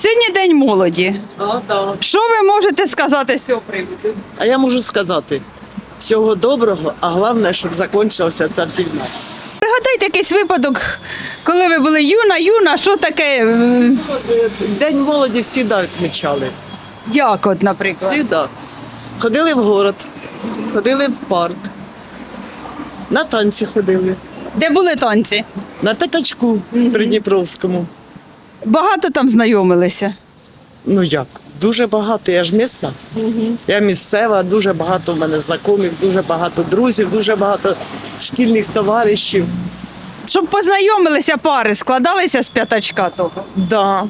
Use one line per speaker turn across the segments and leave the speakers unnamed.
Сьогодні День молоді.
Да.
Що ви можете сказати з цього приводу?
А я можу сказати, всього доброго, а головне, щоб закінчилася ця війна.
Пригадайте якийсь випадок, коли ви були юна, що таке,
День молоді всі відмічали.
як от, наприклад?
Всі. Ходили в город, ходили в парк, на танці ходили,
Де були танці?
на п'ятачку в Придніпровському.
Багато там знайомилися.
Ну як? Дуже багато, я ж місна. Я місцева, дуже багато в мене знайомих, дуже багато друзів, дуже багато шкільних товаришів.
Щоб познайомилися пари, складалися з п'ятачка того.
Да.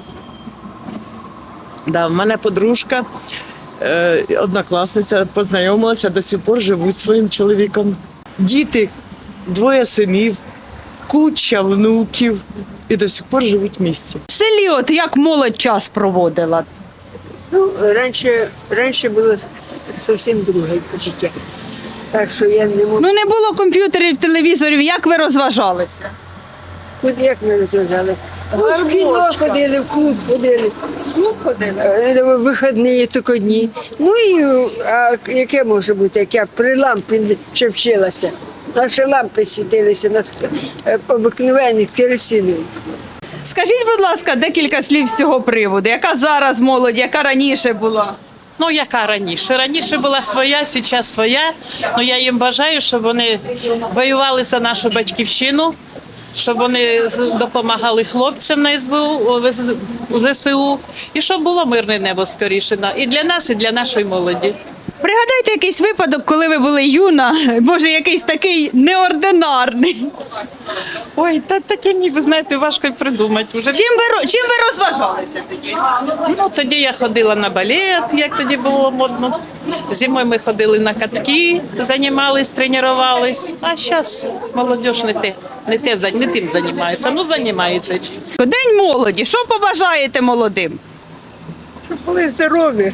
В мене подружка, однокласниця, познайомилася, до сих пор живуть зі своїм чоловіком. Діти, 2 синів, куча внуків і до сих пор живуть в місті.
В селі от як молодь час проводила?
Ну, раніше було зовсім друге життя. Так що я не можу.
Ну не було комп'ютерів, телевізорів, як ви розважалися?
Куди як ми розважали? В кіно ходили, в клуб ходили,
Клуб ходили.
в вихідні тільки дні. Ну і а яке може бути, як я при лампі ще вчилася. Наші лампи світилися на обикновенні керосинові.
Скажіть, будь ласка, декілька слів з цього приводу. Яка зараз молодь, яка раніше була?
Ну, яка раніше? Раніше була своя, зараз своя. Ну, я їм бажаю, щоб вони воювали за нашу батьківщину, щоб вони допомагали хлопцям на СБУ, у ЗСУ, і щоб було мирне небо скоріше. І для нас, і для нашої молоді.
Пригадайте якийсь випадок, коли ви були юна, може якийсь такий неординарний.
Ой, таке мені, ви знаєте, важко й придумати вже.
Чим ви розважалися тоді?
Ну, тоді я ходила на балет, як тоді було модно. Зимою ми ходили на катки, займались, тренувались. А зараз молодь не тим займається, ну займається.
День молоді. Що побажаєте молодим?
Щоб були здорові,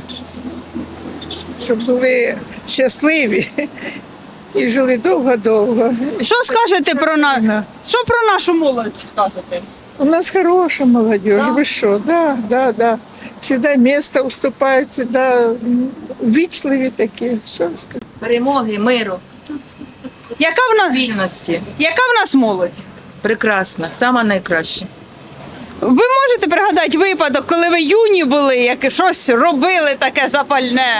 щоб були щасливі і жили довго-довго.
Що скажете що про нашу молодь скажете?
У нас хороша молодь, ви що? Да. Всегда місто уступають, всегда ввічливі такі. Що ви скажете?
Перемоги, миру, вільності.
Яка в нас молодь?
Прекрасна, сама найкраща.
Ви можете пригадати випадок, коли ви юні були, як щось робили таке запальне?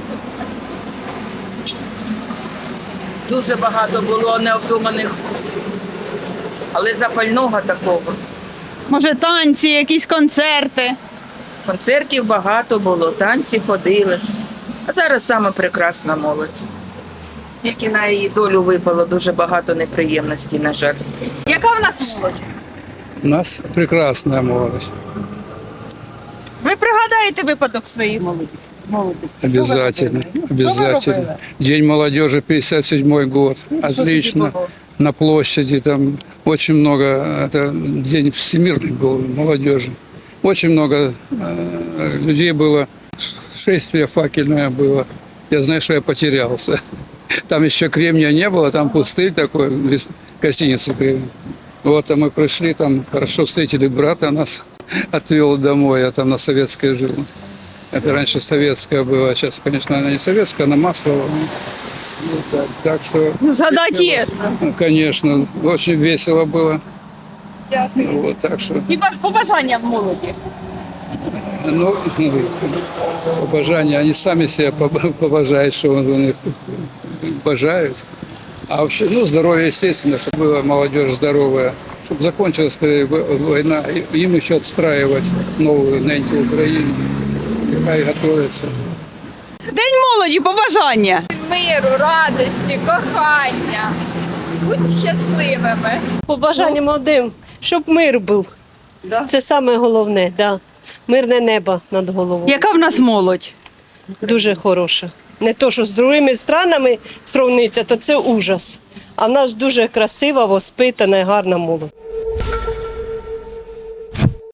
Дуже багато було необдуманих, але запального такого.
Може, танці, якісь концерти?
Концертів багато було, танці ходили. А зараз саме прекрасна молодь. Тільки на її долю випало дуже багато неприємностей, на жаль.
Яка в нас молодь?
У нас прекрасная молодость.
Ви пригадаєте випадок своєї молодості?
Обязательно. День молодежи, 57-й год. Отлично. На площади там очень много. Это день всемирный был молодежи. Очень много людей было. Шествие факельное было. Я знаю, что я потерялся. Там еще Кремния не было, там пустырь такой, гостиница Кремния. Вот, а мы пришли, там хорошо встретили брата, нас отвел домой, я там на Советской жил. Это раньше советская была, сейчас, конечно, она не советская, она Маслова. Вот так что...
Згадать є.
Ну, конечно, очень весело было. Вот, так что...
І побажання молоді.
Ну, побажання, они сами себя побажают, что они их бажают. А вообще, ну, здоровье, естественно, чтобы была молодежь здоровая, чтобы закончилась скорее война, им еще отстраивать новую неньку Украину, какая готовится.
День молоді, побажання.
Миру, радості, кохання. Будь щасливими.
Побажання молодим, щоб мир був. Це саме головне, да. Мирне небо над головою.
Яка в нас молодь?
Дуже хороша. Не то, що з другими странами сравниться, то це ужас. А в нас дуже красива, воспитана і гарна молодь.